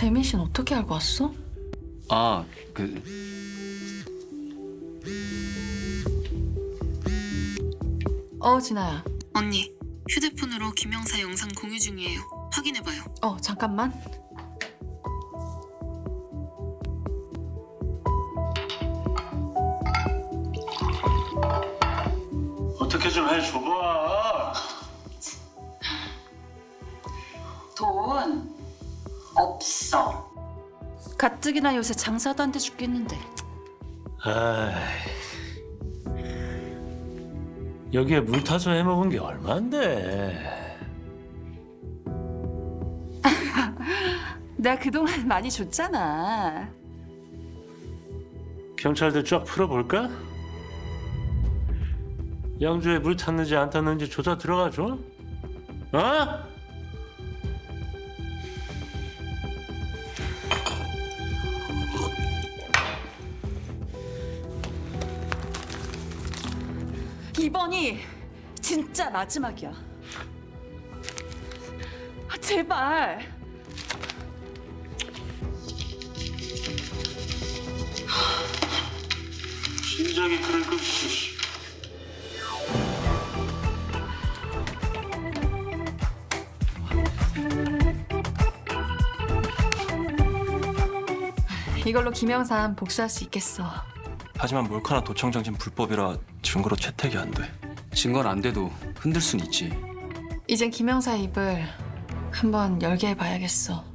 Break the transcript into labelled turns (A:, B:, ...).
A: 재민 씨는 어떻게 알고 왔어?
B: 아,
A: 진아야.
C: 언니, 휴대폰으로 김영사 영상 공유 중이에요. 확인해봐요.
A: 잠깐만.
D: 어떻게 좀 해줘봐.
E: 돈 없어. 가뜩이나 요새 장사도 안 돼 죽겠는데.
D: 아이, 여기에 물 타서 해먹은 게 얼만데.
E: 내가 그동안 많이 줬잖아.
D: 경찰들 쫙 풀어볼까? 양주에 물 탔는지 안 탔는지 조사 들어가줘. 어?
E: 이번이 진짜 마지막이야. 제발.
D: 심장이 그럴 거.
A: 이걸로 김영삼 복수할 수 있겠어.
B: 하지만 몰카나 도청장진 불법이라 증거로 채택이 안 돼.
F: 증거는 안 돼도 흔들 순 있지.
A: 이젠 김영사 입을 한번 열게 해봐야겠어.